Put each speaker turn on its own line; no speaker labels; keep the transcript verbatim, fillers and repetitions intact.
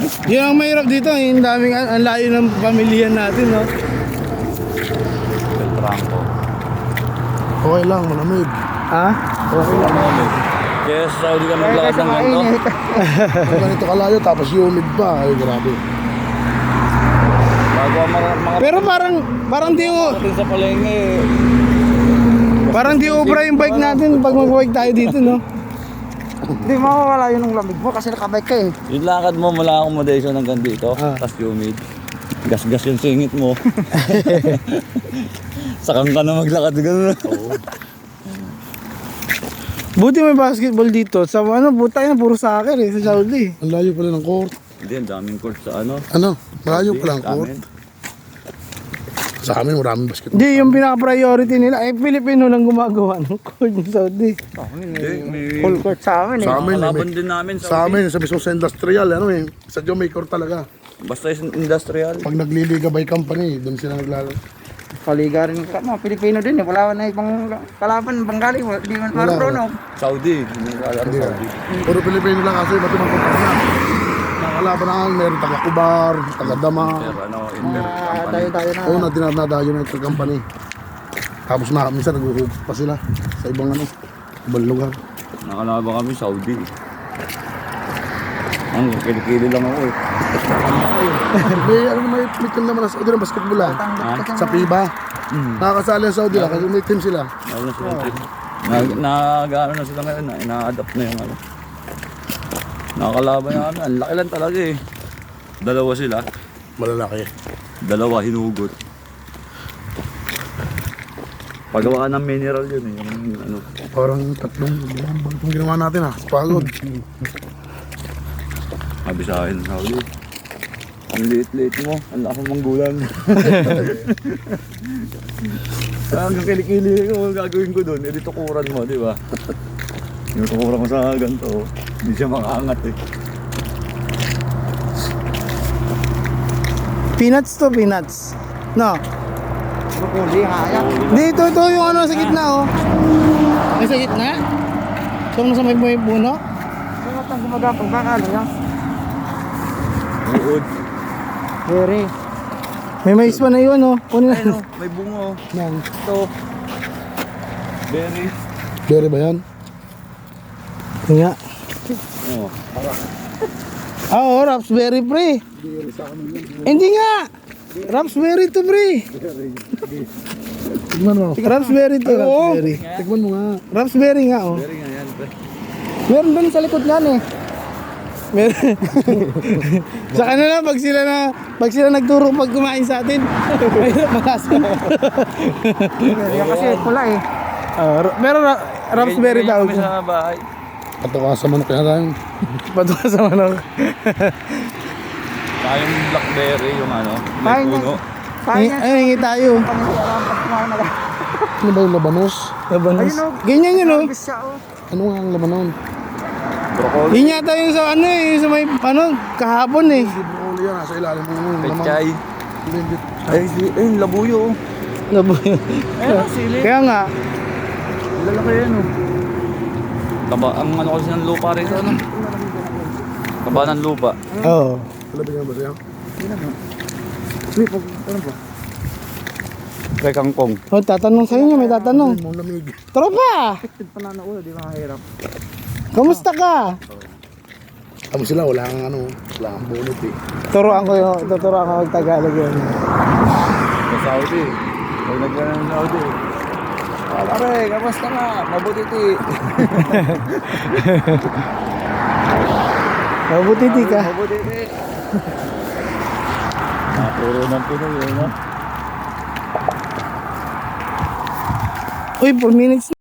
Yun ang mahirap dito, yung daming, ang layo ng pamilya natin, no?
Beltranco.
Okay lang, malamig.
Ha?
Okay lang malamig. Kaya sa Saudi ka maglakad ng ganito.
Pag ganito kalayo, tapos humid pa. Ay, grabe.
Bago ang mga... mga
Pero parang, parang di mo,
ating sa palengke eh.
parang di ubra yung bike natin pag mag-bike tayo dito, no?
Hindi mawawala yun ng lamig mo kasi nakabike ka eh.
Yung lakad mo mula accommodation hanggang dito,
Ah.
tas humid. Gas-gas yung singit mo. Sakang ka na maglakad gano'n.
Buti may basketball dito. Sa ano, buta na puro soccer eh, sa Saudi.
Ang layo pala ng court.
Hindi, ang daming court sa ano.
Ano? Malayo pala ang
Sa
court.
amin.
Sa amin, maraming basketball.
Hindi, yung pinaka-priority nila, eh, Pilipino lang gumagawa ng court ng Saudi.
Hindi, may...
Full court sa amin eh.
Sa amin,
Kalaban
may-
din namin
Sa amin, sa mismo sa industrial, ano eh. Sa Diyo may court talaga.
Basta yung industrial.
Pag nagliliga by company, doon sila naglalaro.
Paliga rin ka mga Pilipino din eh. Wala na ibang kalaban, Bengali, hindi man
Wala,
marunong.
Saudi. Hindi naglalaro
Hindi
Saudi.
Puro Pilipino lang kasi, ba't ibang company na. Nakalaban na nga, meron taga-Kubar, taga-Dama.
Pero ano, inter
Ah,
company.
tayo-tayo na.
Oo, na dinadadayo na ito company. Tapos na, minsan nag-uhug pa sila sa ibang ano, ibang lugar.
Nakalaban kami Saudi. Ang kilikili lang ako eh.
May ano may, may team naman sa Saudi ng basketball ah. Sa FIBA. Nakakasali ang Saudi lang kasi may team sila.
Ano na sila trip. Nag, nag, ano na sila ngayon, na, ina-adapt na yung ano. Nakakalaban na kami, ang laki lang talaga eh. Dalawa sila,
Malalaki.
dalawa hinugot. Pagawaan ng mineral yun eh, yung ano.
Parang tatlong buwan ba itong ginawa natin ah. Pagod.
Sabi sa akin, Saudi, ang liit-liit mo, ang laki mong gulang. Hanggang kilikili ko, gagawin ko doon, edi tukuran mo, di ba? Yung tukuran ko sa ganito, hindi siya makaangat eh.
Peanuts to peanuts. No.
Hindi nga yan.
Dito, ito yung ano sa gitna, oh. Ay, sa gitna? So, nasa may may puno?
Kung matang gumagapag, baka ano yan?
Uod.
Very.
May mais pa na yun, oh. Kunin
Ayun
na.
o, may bungo.
Yan.
Ito. Berry.
Bere ba yan?
Ito nga.
Oh,
Ah, oh, raspberry pre. Hindi nga. Raspberry to pre.
Tignan mo.
Raspberry to, raspberry.
Tignan mo nga.
Raspberry nga, oh.
berry nga yan. pre.
Meron doon sa likod niyan eh. Meron. Sa kanila pag sila na pag sila nagturo pag kumain sa atin. Mahirap malasa.
Yan kasi pula eh.
Ah, ra- pero ra- raspberry
Ganyan
daw.
kami sa bahay.
Patuka sa manok kaya tayo.
Patuka sa manok.
Saka yung blackberry, yung ano, may
Kain yan.
puno.
Kain yan.
Ay, hingi tayo.
Panginoon, pag kumain na lang.
Ano ba yung labanos?
Labanos.
Ayun, oh.
Ganyan yun, oh.
Bis siya oh.
Ano nga ang labanon?
Broccoli.
Yun yata yung sa ano eh, sa may ano, kahapon eh.
Hindi broccoli yan. Nasa ilalim mo yung laman.
Pechay.
Hindi, hindi.
Ay, si- ay, labuyo. oh.
Laboy.
Ayun, sili.
Kaya nga,
Lalaki yan oh. Taba, ang ano kasi ng lupa rito, ano? Taba ng lupa.
oo.
Palabigyan ba siya?
Uy, pag ano ba?
Kay kangkong.
Oh, tatanong sa inyo, may tatanong.
Mo lamig.
Tropa,
Tignan pa na na ulo, di ba mahirap?
kamusta ka?
Tama sila, wala kang ano, wala kang bunot eh.
Turuan ko yung, tuturuan ko yung Tagalog yun.
Sa Saudi. Pag nagkaroon ng Saudi. Ah, pare, kamusta nga? Mabuti ti.
Mabutiti ka.
Mabuti ti. Napuro ng Pinoy, eh, no?
Uy, four minutes